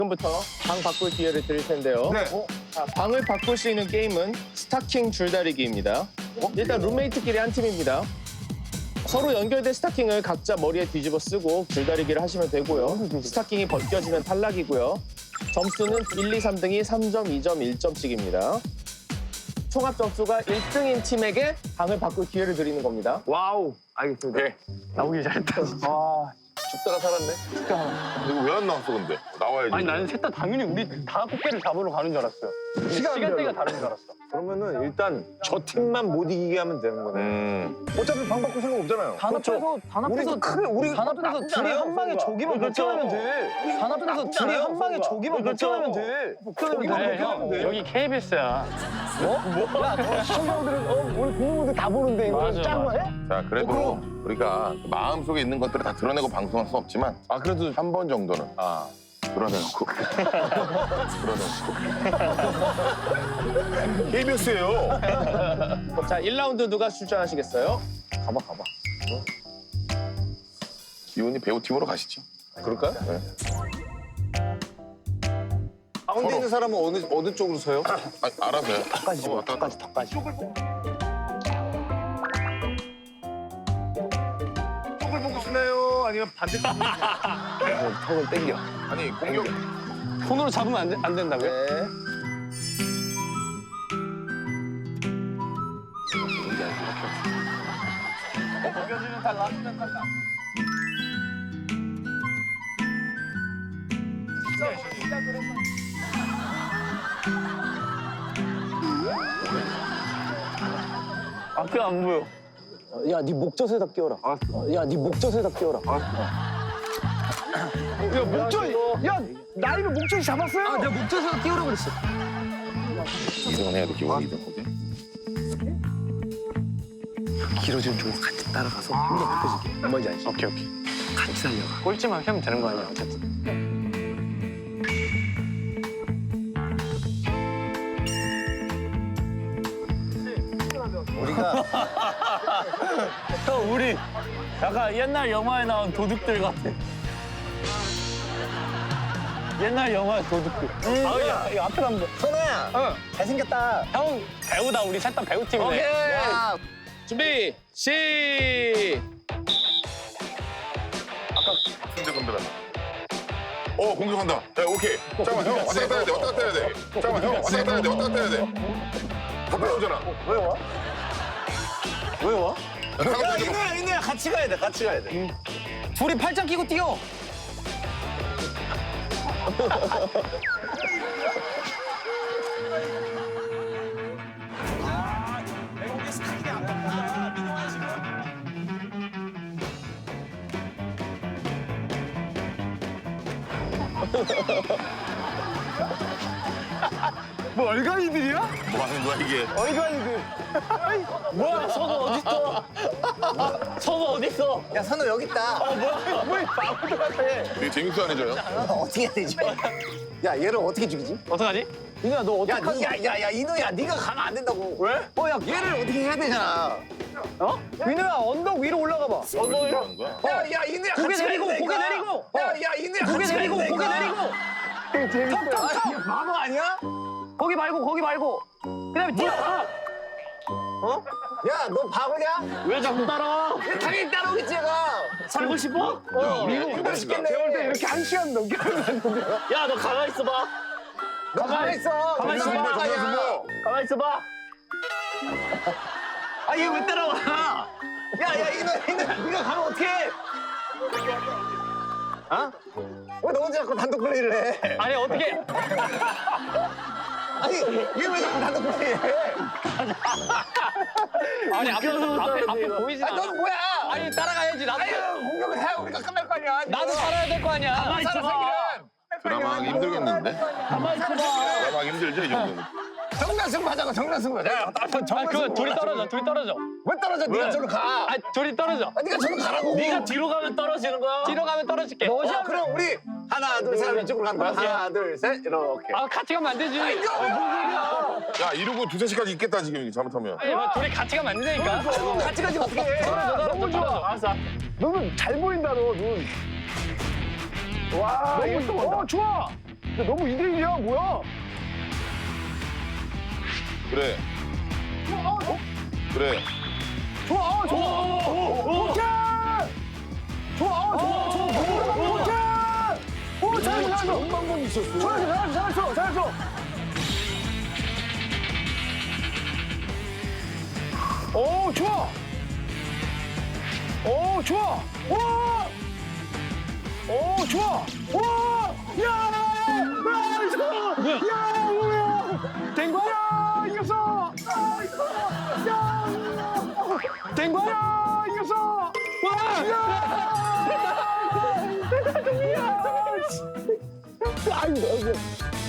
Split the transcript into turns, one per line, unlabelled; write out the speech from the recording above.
지금부터 방 바꿀 기회를 드릴 텐데요.
네.
자, 방을 바꿀 수 있는 게임은 스타킹 줄다리기입니다. 일단 룸메이트끼리 한 팀입니다. 서로 연결된 스타킹을 각자 머리에 뒤집어 쓰고 줄다리기를 하시면 되고요. 스타킹이 벗겨지면 탈락이고요. 점수는 1, 2, 3등이 3점, 2점, 1점씩입니다. 총합 점수가 1등인 팀에게 방을 바꿀 기회를 드리는 겁니다.
와우. 알겠습니다.
네.
나오기 잘했다.
죽다가 살았네.
이거 왜 안 나왔어 근데? 나와야지.
아니 나는 셋 다 당연히 우리 다 꽃게를 잡으러 가는 줄 알았어요. 시간대가 다른 줄 알았어.
그러면은 일단 저 팀만 못 이기게 하면 되는 거네.
어차피 방 바꿀 생각 없잖아요.
단합해서
우리
단합해서 둘이 한 방에 저기만 결정하면 돼. 단합해서 둘이 한 방에 저기만 결정하면 돼. 형 여기 KBS야.
시청자분들은 우리 국민분들 다 보는데 이거
맞아,
짠 거야?
자 그래도 우리가 마음속에 있는 것들을 다 드러내고 방송할 수 없지만 그래도 한 번 정도는 드러내놓고 KBS예요.
자, 1라운드 누가 출전하시겠어요?
가봐.
기훈이 배우팀으로 가시죠.
그럴까요?
가운데 있는 사람은 어느 쪽으로 서요?
알아서요.
턱까지 줘.
왔다 갔다.
턱까지.
턱을 보고 싶나요? 아니면 반대쪽?
턱을 당겨.
아니 공격.
손으로 잡으면 안 된다고요?
네.
앞에 안 보여.
야, 네 목젖에다 끼워라. 야, 네 목젖에다 끼워라. 야, 목젖. 야, 나이는 목젖이 잡았어요.
내가 목젖에서 끼우라고 그랬어.
이동은 해야 돼. 기훈이 이동. 오케이?
길어지는 쪽으로 같이 따라가서 힘도 바꿔줄게. 뭔지 알지?
오케이.
같이 달려가.
꼴찌만 하면 되는 거 아니야 어쨌든.
우리가
형 우리 약간 옛날 영화에 나온 도둑들 같아. 옛날 영화의 도둑들. 야, 이거 앞에 가면 돼.
선아야. 잘생겼다.
형 배우다 우리 셋 다 배우팀이네.
야,
준비, 시.
승재 선배다. 공격한다. 야, 오케이. 잠깐만, 형 왔다 갔다 해야 돼. 왔다 갔다 해야 돼. 잠깐만, 형 왔다 갔다 해야 돼. 왔다 갔다 해야 돼. 다 빼오잖아.
왜 와?
야,
이누야, 같이 가야 돼. 같이 가야 돼.
둘이 팔짱 끼고 뛰어.
뭐 얼간이들이야?
뭐 하는 거야, 이게?
얼간이들.
뭐야 선우 어딨어? 선우 어딨어?
야, 선우 여기 있다.
왜 바보들 같아?
되게 재밌어 안 해줘요?
어떻게 해야 되지? 야, 얘를 어떻게 죽이지?
어떡하지?
이누야, 너 어떡하지? 야, 이누야, 네가 가면 안 된다고.
왜?
야, 얘를 어떻게 해야 되잖아.
민우야 언덕 위로 올라가 봐. 언덕 위로.
하는 거야?
야, 이누야,
고개
같이
내리고
가야
고개
되니까.
내리고.
야, 이누야,
고개
같이
내리고
가야
고개
되니까.
내리고.
턱. 바보 아니야?
거기 말고. 그다음에 뛰어.
야, 너 바보냐?
왜 자꾸 따라?
당연히 따라오겠지, 얘가.
살고 싶어?
힘들어 죽겠네. 배울 때 이렇게 1시간 넘게 하면 안 된대요.
야 너 가만히 있어봐.
너 가만히 있어.
가만히 있어.
정말
정말
사이야.
승부.
가만히 있어봐.
아, 얘 왜 따라와? 야, 이누야, 네가 가면 어떡해? 왜 너 혼자 자꾸 단독 플레이를 해?
아니 어떻게?
아니, 얘 왜 자꾸 단독 플레이 해?
아니 앞에 보이지
아니,
않아.
넌 뭐야?
아니 따라가야지 나도.
아유, 공격을 해야 우리가 끝날 거 아니야.
나도 살아야 될 거 아니야. 가만히
살아, 사기는.
드라마 하기 힘들겠는데?
가만히 있어봐.
드라마 하기 힘들죠, 이 정도는?
정단승부 하자고, 정단승부. 야,
아 그거 둘이 떨어져.
왜 떨어져? 네가 저로 가.
아 둘이 떨어져.
네가 저로 가라고.
네가 뒤로 가면 떨어지는 거야. 뒤로 가면 떨어질게.
그럼 우리 하나, 둘, 셋 이쪽으로 가는 거야. 하나, 둘, 셋 이렇게.
아 같이 가면 안 되지.
야, 이러고 두세 시까지 있겠다, 지금 이게 잘못하면.
아니 뭐 둘이 같이 가면 안 된다니까.
같이 가지 어떻게 해?
너무 좋아. 알았어.
너는 잘 보인다, 너 눈. 와, 너무 좋아. 좋아.
너무 2대1이야, 뭐야?
그래. 그래.
좋아, 좋아. 오케이. 좋아, 좋아. 오케이. 오, 잘했어. 좋은 방법이 있었어. 잘했어. 오, 좋아. 오, 좋아. 와. 오, 좋아. 와. 야, 이거. 야, 뭐야? 된 거야? 야, 이겼어. 야, 된 거야? 이겼어. 와. 야. 아이고.